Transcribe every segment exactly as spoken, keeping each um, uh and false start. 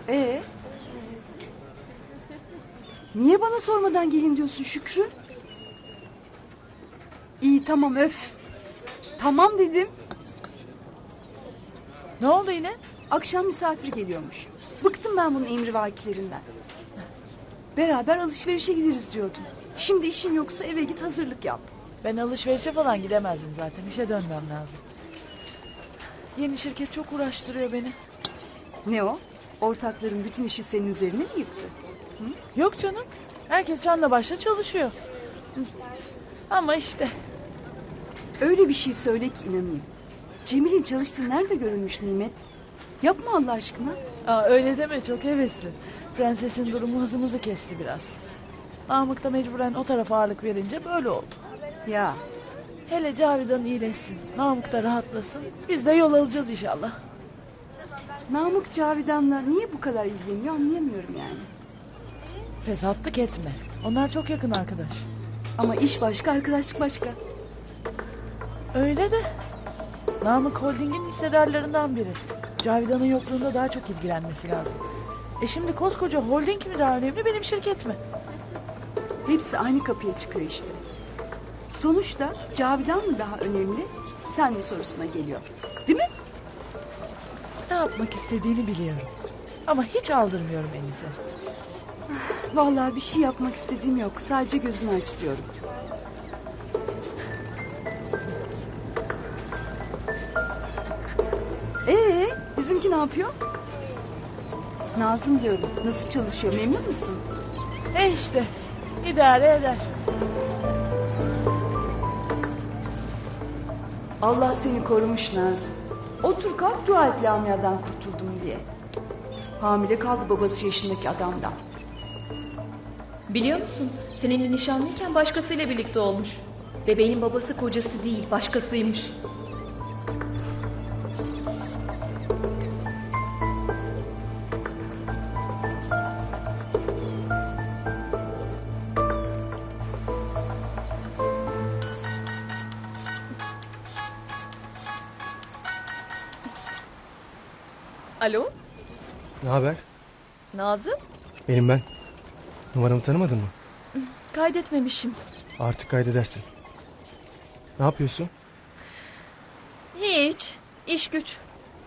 Ee? Niye bana sormadan gelin diyorsun Şükrü? İyi tamam öf. Tamam dedim. Ne oldu yine? Akşam misafir geliyormuş. Bıktım ben bunun emrivakilerinden. Beraber alışverişe gideriz diyordum. Şimdi işin yoksa eve git hazırlık yap. Ben alışverişe falan gidemezdim zaten. İşe dönmem lazım. Yeni şirket çok uğraştırıyor beni. Ne o? Ortakların bütün işi senin üzerine mi yıktı? Hı? Yok canım. Herkes canla başla çalışıyor. Ama işte. Öyle bir şey söyle ki inanayım. Cemil'in çalıştığı nerede görülmüş Nimet? Yapma Allah aşkına. Aa, öyle deme, çok hevesli. Prensesin durumu hızımızı kesti biraz. Namık da mecburen o tarafa ağırlık verince böyle oldu. Ya. Hele Cavidan iyileşsin. Namık da rahatlasın. Biz de yol alacağız inşallah. Namık Cavidan'la niye bu kadar ilgileniyor anlayamıyorum yani. Fesatlık etme. Onlar çok yakın arkadaş. Ama iş başka, arkadaşlık başka. Öyle de. Namık Holding'in hissedarlarından biri. Cavidan'ın yokluğunda daha çok ilgilenmesi lazım. E şimdi koskoca holding mi daha önemli, benim şirket mi? Hepsi aynı kapıya çıkıyor işte. Sonuçta Cavidan mı daha önemli, sen mi sorusuna geliyor. Değil mi? Ne yapmak istediğini biliyorum. Ama hiç aldırmıyorum Enis'e. Vallahi bir şey yapmak istediğim yok. Sadece gözünü aç diyorum. Ee, bizimki ne yapıyor? Nazım diyorum. Nasıl çalışıyor, memnun musun? E işte idare eder. Allah seni korumuş Nazım. Otur kalk dua et Lamia'dan kurtuldum diye. Hamile kaldı babası yaşındaki adamdan. Biliyor musun? Seninle nişanlıyken başkasıyla birlikte olmuş. Bebeğin babası kocası değil, başkasıymış. Alo? Ne haber? Nazım? Benim ben. Numaramı tanımadın mı? Kaydetmemişim. Artık kaydedersin. Ne yapıyorsun? Hiç. İş güç.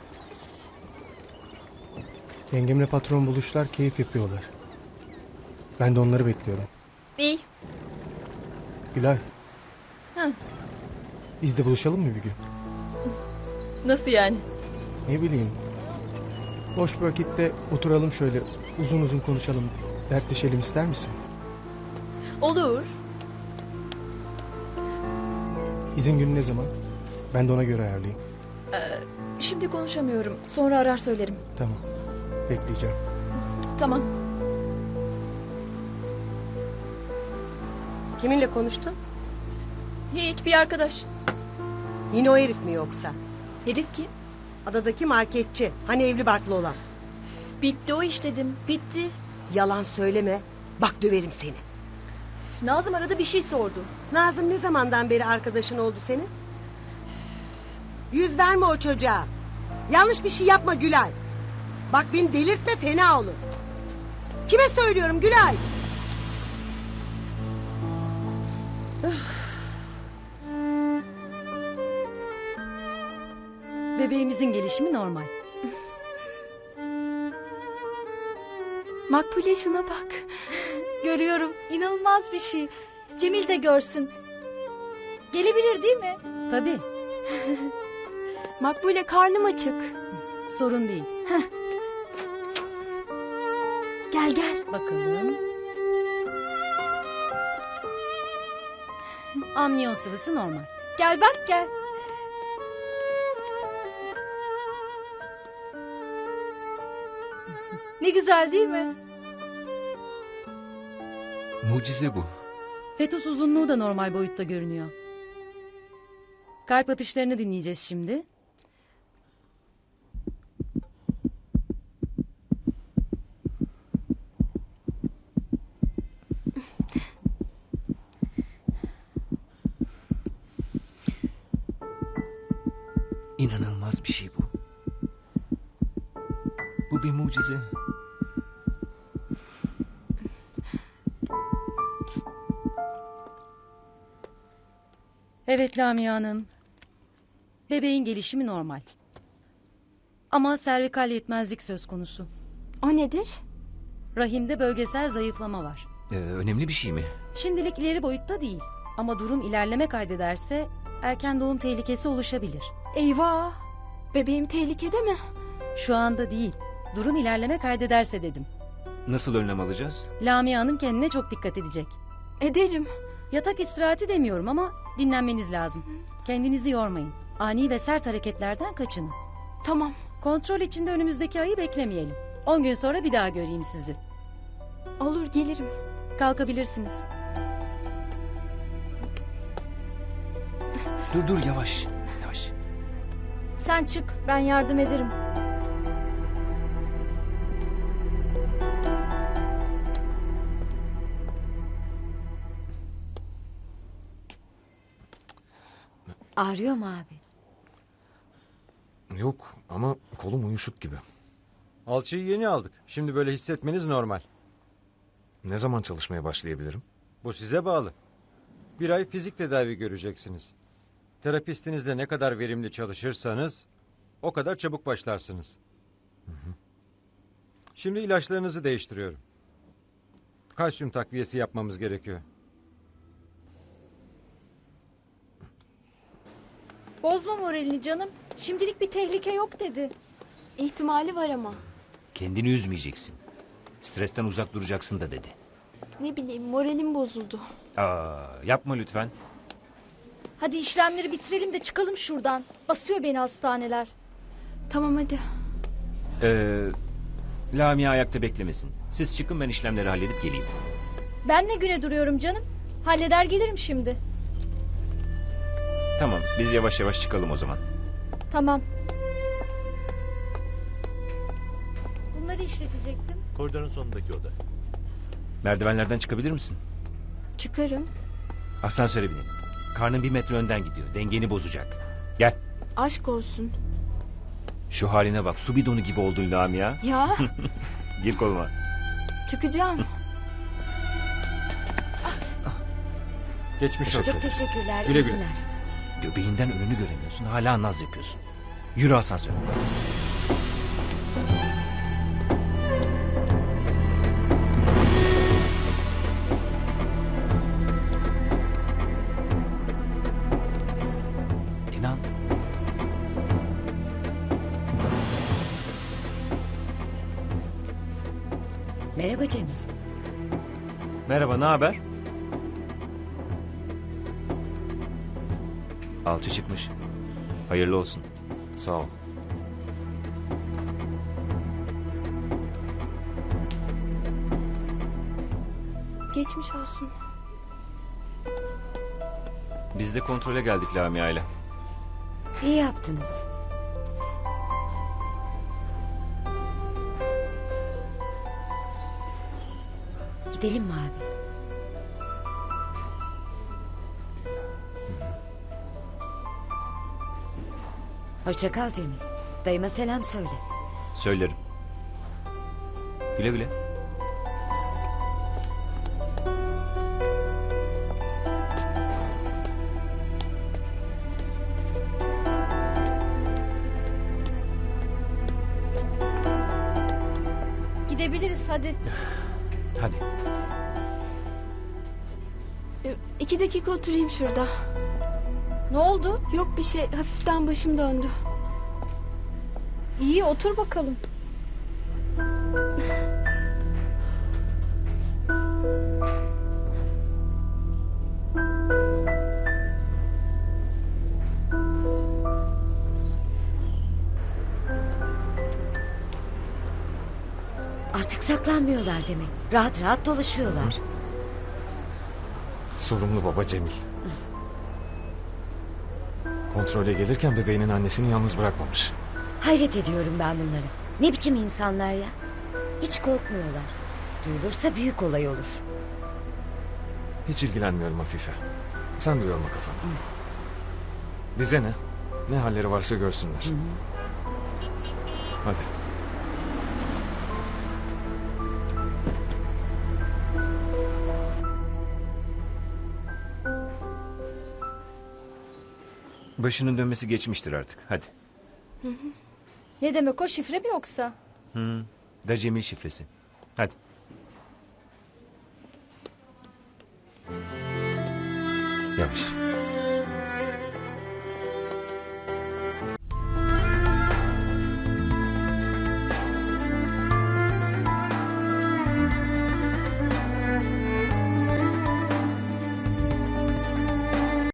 Yengemle patron buluşlar, keyif yapıyorlar. Ben de onları bekliyorum. İyi. Gülay. Hı. Biz de buluşalım mı bir gün? Nasıl yani? Ne bileyim. Boş bir vakitte oturalım şöyle uzun uzun konuşalım. Dertleşelim ister misin? Olur. İzin günü ne zaman? Ben de ona göre ayarlayayım. Ee, şimdi konuşamıyorum. Sonra arar söylerim. Tamam. Bekleyeceğim. Tamam. Kiminle konuştun? Hiç, bir arkadaş. Yine o herif mi yoksa? Herif kim? Adadaki marketçi. Hani evli barklı olan. Bitti o iş dedim. Bitti. Yalan söyleme. Bak döverim seni. Nazım arada bir şey sordu. Nazım ne zamandan beri arkadaşın oldu senin? Yüz verme o çocuğa. Yanlış bir şey yapma Gülay. Bak beni delirtme, fena olur. Kime söylüyorum Gülay? Bebeğimizin gelişimi normal. Makbule şuna bak. Görüyorum, inanılmaz bir şey. Cemil de görsün. Gelebilir değil mi? Tabii, Makbule karnım açık. sorun değil. Gel gel. Bakalım. Amniyon sıvısı normal. Gel bak gel. Ne güzel değil mi? Mucize bu. Fetüs uzunluğu da normal boyutta görünüyor. Kalp atışlarını dinleyeceğiz şimdi. İnanılmaz bir şey bu. Bu bir mucize. Evet Lamia Hanım. Bebeğin gelişimi normal. Ama servikal yetmezlik söz konusu. O nedir? Rahimde bölgesel zayıflama var. Ee, önemli bir şey mi? Şimdilik ileri boyutta değil. Ama durum ilerleme kaydederse erken doğum tehlikesi oluşabilir. Eyvah! Bebeğim tehlikede mi? Şu anda değil. Durum ilerleme kaydederse dedim. Nasıl önlem alacağız? Lamia Hanım kendine çok dikkat edecek. Ederim. Yatak istirahati demiyorum ama dinlenmeniz lazım. Kendinizi yormayın. Ani ve sert hareketlerden kaçının. Tamam. Kontrol için de önümüzdeki ayı beklemeyelim. On gün sonra bir daha göreyim sizi. Olur, gelirim. Kalkabilirsiniz. Dur dur yavaş. Yavaş. Sen çık, ben yardım ederim. Ağrıyor mu abi? Yok ama kolum uyuşuk gibi. Alçıyı yeni aldık. Şimdi böyle hissetmeniz normal. Ne zaman çalışmaya başlayabilirim? Bu size bağlı. Bir ay fizik tedavi göreceksiniz. Terapistinizle ne kadar verimli çalışırsanız o kadar çabuk başlarsınız. Hı hı. Şimdi ilaçlarınızı değiştiriyorum. Kalsiyum takviyesi yapmamız gerekiyor. Bozma moralini canım. Şimdilik bir tehlike yok dedi. İhtimali var ama. Kendini üzmeyeceksin. Stresten uzak duracaksın da dedi. Ne bileyim, moralim bozuldu. Aa, yapma lütfen. Hadi işlemleri bitirelim de çıkalım şuradan. Basıyor beni hastaneler. Tamam hadi. Ee, Lamia ayakta beklemesin. Siz çıkın, ben işlemleri halledip geleyim. Ben ne güne duruyorum canım? Halleder gelirim şimdi. Tamam, biz yavaş yavaş çıkalım o zaman. Tamam. Bunları işletecektim. Koridorun sonundaki oda. Merdivenlerden çıkabilir misin? Çıkarım. Asansöre binelim. Karnın bir metre önden gidiyor. Dengeni bozacak. Gel. Aşk olsun. Şu haline bak. Su bidonu gibi oldun Lamia. Ya. Gir koluma. Çıkacağım. Geçmiş olsun. Çok teşekkürler. Güle iyi güle. günler. Göbeğinden önünü göremiyorsun. Hala naz yapıyorsun. Yürü asansöre. İnan. Merhaba Cemil. Merhaba, ne haber? Alçı çıkmış. Hayırlı olsun. Sağ ol. Geçmiş olsun. Biz de kontrole geldik Lamia ile. İyi yaptınız. Gidelim mi abi? Hoşça kal Cemil. Dayıma selam söyle. Söylerim. Güle güle. Gidebiliriz hadi. Hadi. Ee, İki dakika oturayım şurada. Ne oldu? Yok bir şey, hafiften başım döndü. İyi otur bakalım. Artık saklanmıyorlar demek. Rahat rahat dolaşıyorlar. Sorumlu baba Cemil. Kontrole gelirken bebeğinin annesini yalnız bırakmamış. Hayret ediyorum ben bunlara. Ne biçim insanlar ya? Hiç korkmuyorlar. Duyulursa büyük olay olur. Hiç ilgilenmiyorum Afife. Sen de yorma kafanı. Bize ne? Ne halleri varsa görsünler. Hı hı. Hadi. Başının dönmesi geçmiştir artık. Hadi. Ne demek o, şifre mi yoksa? Hı. Da Cemil şifresi. Hadi. Yavaş.